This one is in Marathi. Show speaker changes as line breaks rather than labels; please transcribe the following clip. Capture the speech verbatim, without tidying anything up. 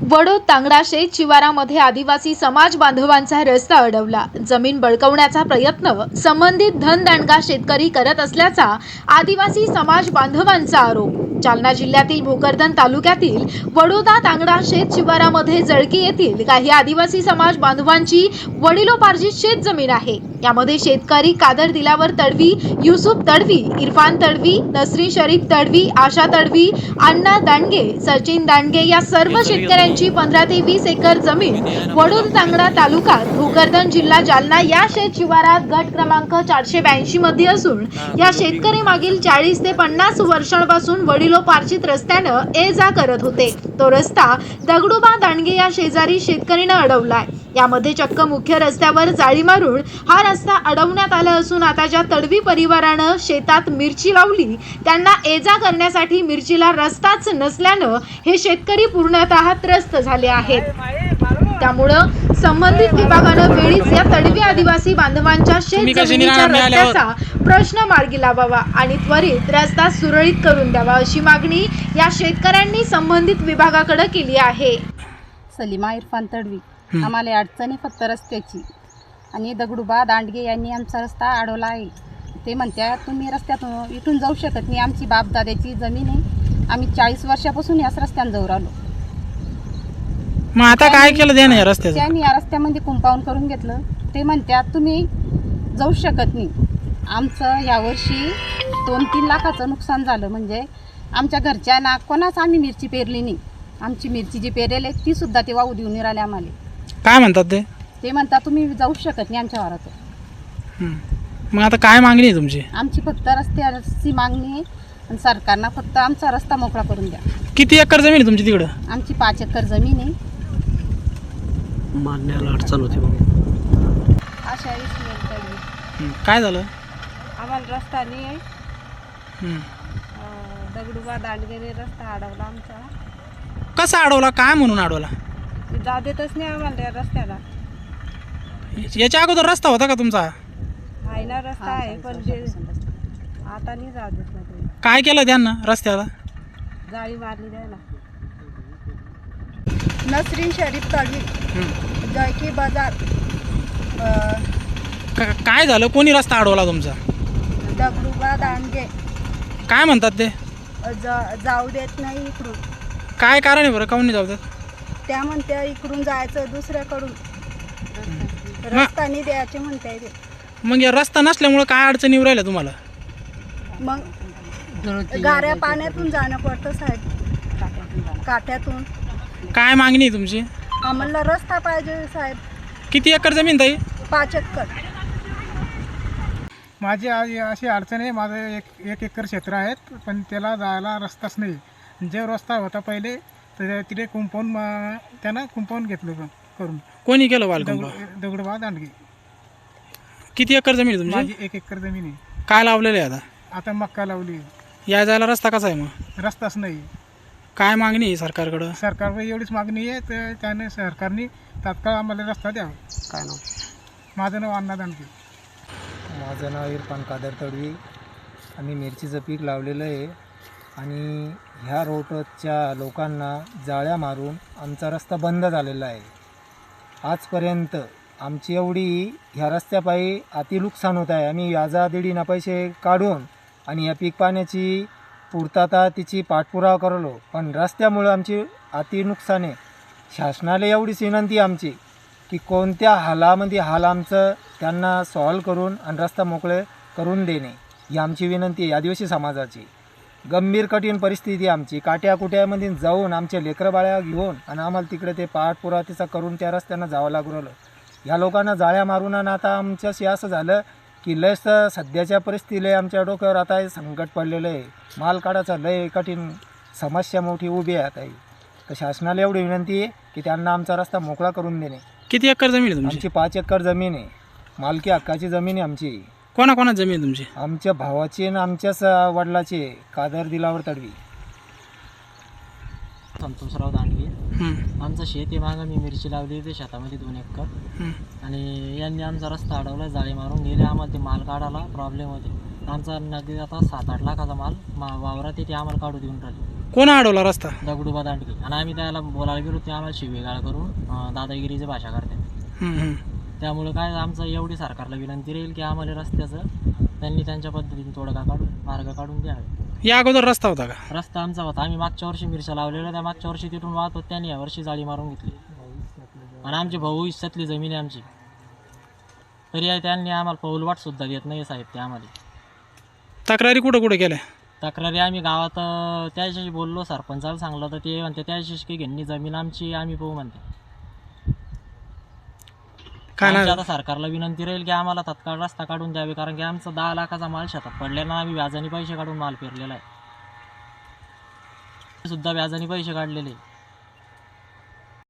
वडोद तांगडा शेत शिवारामध्ये आदिवासी समाज बांधवांचा रस्ता अडवला। जमीन बळकावण्याचा प्रयत्न संबंधित धनदांडगा शेतकरी करत असल्याचा आदिवासी समाज बांधवांचा आरोप। जालना जिल्ह्यातील भोकरदन तालुक्यातील वडोदा तांगडा शेत शिवारामध्ये जळकी येथील काही आदिवासी समाज बांधवांची वडिलोपार्जित शेत जमीन आहे। यामध्ये शेतकरी कादर दिलावर तडवी, युसुफ तडवी, इरफान तडवी, नसरीन शरीफ तडवी, आशा तडवी, अण्णा दांडगे, सचिन दांडगे या सर्व शेतकऱ्यांची पंधरा ते वीस एकर जमीन वडोद तांगडा तालुक्यात भोकरदन जिल्हा जालना या शेत शिवारात गट क्रमांक चारशे ब्याऐंशी मध्ये असून या शेतकरी मागील चाळीस ते पन्नास वर्षांपासून वडिलोपार्जित रस्त्यानं ये जा करत होते। तो रस्ता दगडूबा दांडगे या शेजारी शेतकरीनं अडवलाय। यामध्ये चक्क मुख्य रस्त्यावर जाळी मारून हा रस्ता अडवण्यात आला असून आता ज्या तडवी परिवारानं शेतात मिरची लावली त्यांना ये जा करण्यासाठी मिरचीला रस्ताच नसल्यानं हे शेतकरी पूर्णतः त्रस्त झाले आहेत। त्यामुळं संबंधित विभागानं वेळीच या तडवी आदिवासी बांधवांच्या शेत जमिनीच्या रस्त्याचा प्रश्न मार्गी लावावा आणि त्वरित रस्ता सुरळीत करून द्यावा अशी मागणी या शेतकऱ्यांनी संबंधित विभागाकडे केली आहे।
सलीमा इरफान तडवी, आम्हाला अडचणी फक्त रस्त्याची आणि दगडूबा दांडगे यांनी आमचा रस्ता अडवला आहे। ते म्हणतात तुम्ही रस्त्यातून इथून जाऊ शकत नाही, आमची बापदाद्याची जमीन आहे, आम्ही चाळीस वर्षापासून याच रस्त्याने जाऊ राहिलो।
मग आता काय केलं त्याने या रस्त्याचं?
त्यांनी या रस्त्यामध्ये कंपाऊंड करून घेतलं। ते म्हणतात तुम्ही जाऊ शकत नाही। आमचं यावर्षी दोन तीन लाखाचं नुकसान झालं, म्हणजे आमच्या घरच्यांना कोणाच आम्ही मिरची पेरली नाही। आमची मिरची जी पेरेल आहे ती सुद्धा ते वाहू देऊन राहिले आम्हाला।
काय म्हणतात ते?
ते म्हणतात तुम्ही जाऊ शकत नाही आमच्या वारात।
मग आता काय मागणी आहे तुमची?
आमची फक्त रस्त्याची मागणी आहे आणि सरकारनं फक्त आमचा रस्ता मोकळा करून द्या।
किती एकर जमीन आहे तुमची तिकडं?
आमची पाच एकर जमीन आहे।
मारण्याला अडचण होती मग
अशा वेळेस
काय झालं?
आम्हाला रस्ता नाही आहे। दगडूबा दांडगेने रस्ता अडवला आमचा।
कसा अडवला? काय म्हणून अडवला?
जाऊ देतच नाही आम्हाला रस्त्याला।
याच्या अगोदर रस्ता होता का तुमचा?
आहे ना रस्ता आहे, पण जे आता नाही जाऊ देत ना ते।
काय केलं त्यांना रस्त्याला?
जाळी मारली द्यायला। नसरीन शरीफ तडवी, जळकी बाजार।
का- काय झालं? कोणी रस्ता अडवला तुमचा?
दगडूबा दांडगे
काय म्हणतात ते?
जाऊ देत नाही इकडून।
काय कारण आहे बरं, काऊन नाही जाऊ देत?
त्या म्हणत्या इकडून जायचं दुसऱ्याकडून, रस्ता नाही द्यायचे म्हणताय ते।
मग या रस्ता नसल्यामुळे काय अडचणी येऊ राहिल्या तुम्हाला?
मग गाऱ्या पाण्यातून जाणं पडतं साहेब, काठ्यातून।
काय मागणी आहे तुमची?
आम्हाला रस्ता पाहिजे साहेब।
किती एकर जमीन ताई?
पाच एकर।
माझी आज अशी अडचण आहे, माझं एक एक एकर क्षेत्र आहेत, पण त्याला जायला रस्ताच नाही। जे रस्ता होता पहिले तर तिथे कुंपाऊंड त्यानं कुंपाऊंड घेतलं करून।
कोणी केलं बालकंप?
दगड दगडूबा दांडगे।
किती एकर जमीन आहे तुमची?
माझी एक एकर जमीन आहे।
काय लावलेलं आहे आता?
आता मक्का लावली।
या जायला रस्ता कसा आहे मग?
रस्ताच नाही।
काय मागणी आहे सरकारकडं?
सरकारवर एवढीच मागणी आहे तर त्याने सरकारने तात्काळ आम्हाला रस्ता द्यावा।
काय नाव?
माझं नाव अण्णा दांडगे।
माझं नाव इरफान कादर तडवी। आम्ही मिरचीचं पीक लावलेलं आहे आणि ह्या रोडच्या लोकांना जाळ्या मारून आमचा रस्ता बंद झालेला आहे। आजपर्यंत आमची एवढी ह्या रस्त्यापायी अति नुकसान होत आहे। आम्ही व्याजादीडीनं पैसे काढून आणि या पीक पाण्याची पूर्तता तिची पाठपुरावा करलो, पण रस्त्यामुळं आमची अति नुकसान आहे। शासनाला एवढीच विनंती आमची की कोणत्या हालामध्ये हाल आमचं त्यांना सॉल्व करून आणि रस्ता मोकळे करून देणे ही आमची विनंती आहे। आदिवासी समाजाची गंभीर कठीण परिस्थिती आमची, काट्या कुट्यामध्ये जाऊन आमच्या लेकरं बाळ्या घेऊन आणि आम्हाला तिकडे ते पाठपुरावा तिचा करून त्या रस्त्यानं जावं लागू राहिलं। ह्या लोकांना जाळ्या मारून आणि आता आमच्याशी असं झालं की लयच सध्याच्या परिस्थितीला आमच्या डोक्यावर आता हे संकट पडलेलं आहे। माल काढायचं लय कठीण समस्या मोठी उभी आहे आता ही। तर शासनाला एवढी विनंती आहे की त्यांना आमचा रस्ता मोकळा करून देणे।
किती एकर जमीन आहे तुमची?
आमची पाच एकर जमीन आहे, मालकी हक्काची जमीन आहे आमची।
कोणा कोणा जमीन आहे तुमची?
आमच्या भावाची आणि आमच्याच वडिलाची कादर दिलावर तडवी।
संतोषराव दांडगे। आमचं शेत आहे, मागं मी मिरची लावली होती शेतामध्ये दोन एकर, आणि यांनी आमचा रस्ता अडवला, जाळी मारून गेले। आम्हाला ते माल काढायला प्रॉब्लेम होते। आमचा नगदी आता सात आठ लाखाचा माल मा वावरात येते, आम्हाला काढू देऊन राहिले।
कोण अडवला रस्ता?
दगडूबा दांडगे. आणि आम्ही त्याला बोलायला गेलो ते आम्हाला शिवेगाळ करून अं, दादागिरीची भाषा करतात.
हम्म, हम्म.
त्यामुळे काय आमचं एवढी सरकारला विनंती राहील की आम्हाला रस्त्याचं त्यांनी त्यांच्या पद्धतीने तोडगा काढून मार्ग काढून द्यावे.
या अगोदर रस्ता होता का?
रस्ता आमचा होता, आम्ही मागच्या वर्षी मिरच्या लावलेल्या, त्या मागच्या वर्षी तिथून वाहत होत, त्यांनी यावर्षी जाळी मारून घेतली. आणि आमची भाऊ हिस्सातली जमीन आहे आमची, तरी आहे त्यांनी आम्हाला पाऊलवाट सुद्धा देत नाही साहेब. ते आम्हाला
तक्रारी कुठं कुठं केल्या?
तक्रारी आम्ही गावात अं, त्याच्याशी बोललो, सरपंचाला सांगलं तर ते म्हणते त्याच्याशी काही घेणी जमीन आमची, आम्ही पाहू म्हणते.
काय
आमची
ना
आता सरकारला विनंती राहील की आम्हाला तात्काळ रस्ता काढून द्यावे, कारण की आमचा दहा लाखाचा माल शेतात पडलेला, आम्ही व्याजाने पैसे काढून माल पेरलेला आहे, सुद्धा व्याजाने पैसे काढलेले.